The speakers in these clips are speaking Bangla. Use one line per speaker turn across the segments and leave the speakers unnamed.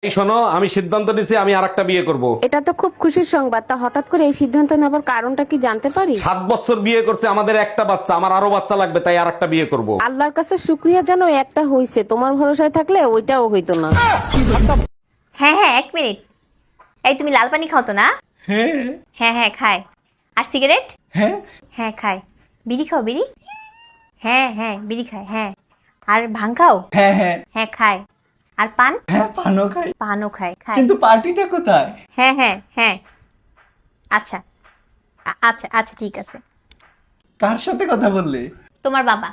এই শোনো, আমি সিদ্ধান্ত নিছি আমি আরেকটা বিয়ে করব।
এটা তো খুব খুশির সংবাদ। তা হঠাৎ করে এই সিদ্ধান্ত নেবার কারণটা কি জানতে পারি?
7 বছর বিয়ে করছে, আমাদের একটা বাচ্চা, আমার আরো বাচ্চা লাগবে, তাই আরেকটা বিয়ে করব।
আল্লাহর কাছে শুক্রিয়া জানো একটা হইছে, তোমার ভরসায় থাকলে ওইটাও হইতো না।
হ্যাঁ হ্যাঁ, 1 মিনিট। এই তুমি লাল পানি খাও তো না?
হ্যাঁ
হ্যাঁ হ্যাঁ খায়। আর সিগারেট?
হ্যাঁ
হ্যাঁ খায়। বিড়ি খাও বিড়ি? হ্যাঁ হ্যাঁ বিড়ি খায়। হ্যাঁ। আর ভাং খাও?
হ্যাঁ হ্যাঁ
হ্যাঁ খায়। আর পান?
হ্যাঁ পানও খাই,
পানও খায় খায়।
কিন্তু পার্টিটা কোথায়?
হ্যাঁ হ্যাঁ হ্যাঁ। আচ্ছা আচ্ছা আচ্ছা ঠিক আছে।
কার সাথে কথা বললে?
তোমার বাবা।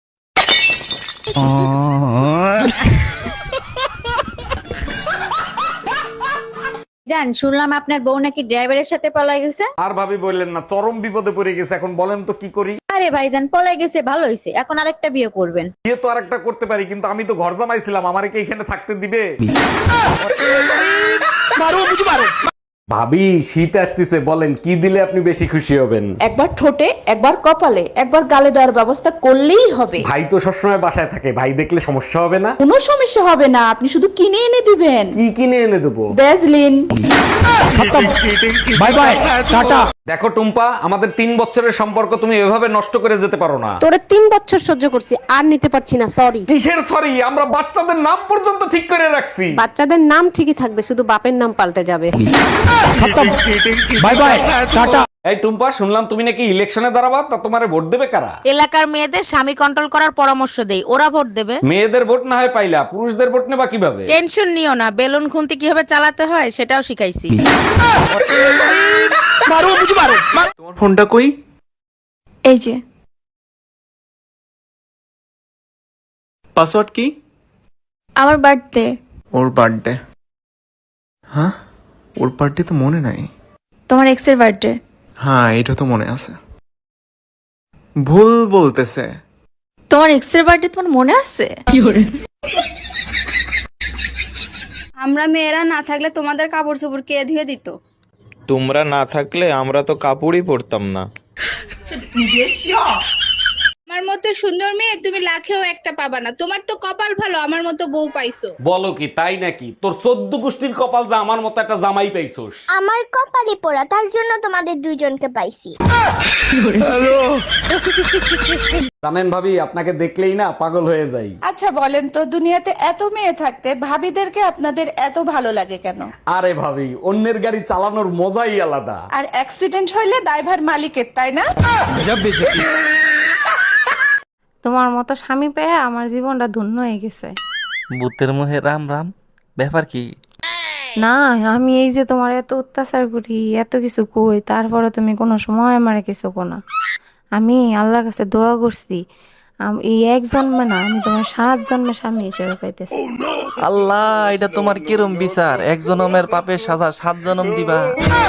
জান, শুনলাম আপনার বউ নাকি ড্রাইভারের সাথে পলাই গেছে।
আর ভাবি বললেন না, চরম বিপদে পড়ে গেছে। এখন বলেন তো কি করি?
আরে ভাইজান, পলাই গেছে ভালো হয়েছে, এখন আরেকটা বিয়ে করবেন।
বিয়ে তো আরেকটা করতে পারি, কিন্তু আমি তো ঘর জামাইছিলাম, আমারে কি এখানে থাকতে দিবে? ভাবি, শীত আসতেছে, বলেন কি দিলে আপনি বেশি খুশি হবেন?
একবার ঠোঁটে, একবার কপালে, একবার গালে দেওয়ার ব্যবস্থা করলেই হবে।
ভাই তো সবসময় বাসায় থাকে, ভাই দেখলে সমস্যা হবে না?
কোনো সমস্যা হবে না, আপনি শুধু কিনে এনে দিবেন।
কি কিনে এনে দেবো?
ভ্যাজলিন।
বাই বাই, টাটা। দেখো টুম্পা, আমাদের 3 বছরের সম্পর্ক তুমি এভাবে নষ্ট করে যেতে পারো না।
তোরে 3 বছর সহ্য করছি, আর নিতে পারছি না, সরি।
কিসের সরি? আমরা বাচ্চাদের নাম পর্যন্ত ঠিক করে রাখছি।
বাচ্চাদের নাম ঠিকই থাকবে, শুধু বাপের নাম পাল্টে যাবে।
বাই বাই, টাটা। এই টুম্পা, শুনলাম তুমি নাকি ইলেকশনে দাঁড়াবা, তা তোমারে ভোট দেবে কারা?
এলাকার মেয়েদের স্বামী কন্ট্রোল করার পরামর্শ দেই, ওরা ভোট দেবে।
মেয়েদের ভোট না হয় পাইলা, পুরুষদের ভোট নেবা কিভাবে?
টেনশন নিও না, বেলুন খুন্তি কিভাবে চালাতে হয় সেটাও শিখাইছি।
তোমার ফোনটা কই?
এই যে
পাসওয়ার্ড কি?
আমার বার্থডে।
ওর বার্থডে? হ্যাঁ, ওর বার্থডে তো মনে নাই।
তোমার এক্সের বার্থডে।
হ্যাঁ, এটা তো মনে আছে। ভুল বলতেছে।
তোমার এক্সের বার্থডে তোমার মনে আছে?
আমরা মেয়েরা না থাকলে তোমাদের কাপড় চোপড় কে ধুয়ে দিত?
তোমরা না থাকলে আমরা তো কাপড়ই পরতাম না।
আমার মতো সুন্দর মেয়ে তুমি লাখেও একটা পাবা না। তোমার তো কপাল ভালো, আমার মতো বউ পাইছো।
বলো কি তাই নাকি? তোর 14 গোষ্ঠীর কপাল যা আমার মতো একটা জামাই পাইছোস।
আমার কপালে পোড়া, তার জন্য তোমাদের দুইজনকে পাইছি।
জানেন ভাবি, আপনাকে দেখলেই না পাগল হয়ে যাই।
আচ্ছা বলেন তো, দুনিয়াতে এত মেয়ে থাকতে ভাবিদেরকে আপনাদের এত ভালো লাগে কেন?
আরে ভাবি, অন্যের গাড়ি চালানোর মজাই আলাদা।
আর অ্যাক্সিডেন্ট হইলে দায়ভার মালিকের, তাই না?
তোমার মতো স্বামী পেয়ে আমার জীবনটা ধন্য হয়ে গেছে।
ভূতের মুহে রাম রাম, ব্যাপার কি?
না, আমি এই যে তোমার এত অত্যাচার করি, এত কিছু কই, তারপরে তুমি কোনো সময় আমারে কিছু কো না। আমি আল্লাহর কাছে দোয়া করছি, এই 1 জন্মে না, আমি তোমার 7 জন্মে স্বামী হিসেবে পাইতেছি।
আল্লাহ, এটা তোমার কিরম বিচার? 1 জনমের পাপের সাজা 7 জনম দিবা?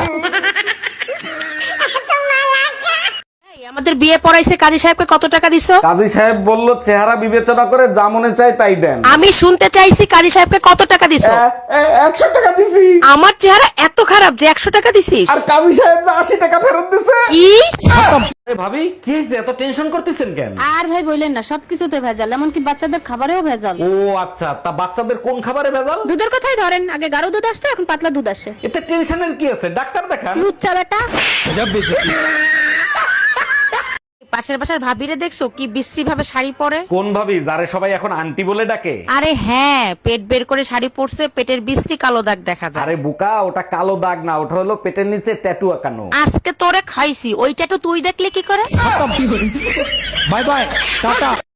আমাদের বিয়ে পড়াইছে, কাজী সাহেবকে কত টাকা দিছো?
কাজী সাহেব বলল চেহারা বিবেচনা করে যা মনে চায় তাই দেন।
আমি শুনতে চাইছি কাজী সাহেবকে কত টাকা দিছো?
100 টাকা দিছি।
আমার চেহারা এত খারাপ যে 100 টাকা দিছিস?
আর কাজী সাহেব যে 80 টাকা ফেরত দিছে।
কি?
ভাবি, কি হয়েছে? এত টেনশন করতেছেন কেন?
আর ভাই বললেন না, সবকিছুতে ভেজাল, এমনকি বাচ্চাদের খাবারেও ভেজাল।
ও আচ্ছা, তা বাচ্চাদের কোন খাবারে ভেজাল?
দুধের কথাই ধরেন, আগে গাঢ় দুধ আসতো, এখন পাতলা দুধ আসে।
এতে টেনশনের কি আছে? ডাক্তার দেখান।
লুচ্চা বেটা।
পাশের বাসার ভাবিরে দেখছো কি বিশ্রী ভাবে শাড়ি পরে?
কোন ভাবি, যারে সবাই এখন আন্টি বলে ডাকে?
আরে হ্যাঁ, পেট বের করে শাড়ি পরছে, পেটের বিশ্রী কালো দাগ দেখা যায়।
আরে বুকা, ওটা কালো দাগ না, ওটা হলো পেটের নিচে ট্যাটু আঁকানো।
আজকে তোরে খাইছি, ওইটা তো তুই দেখলে কি করে?
Bye bye, tata.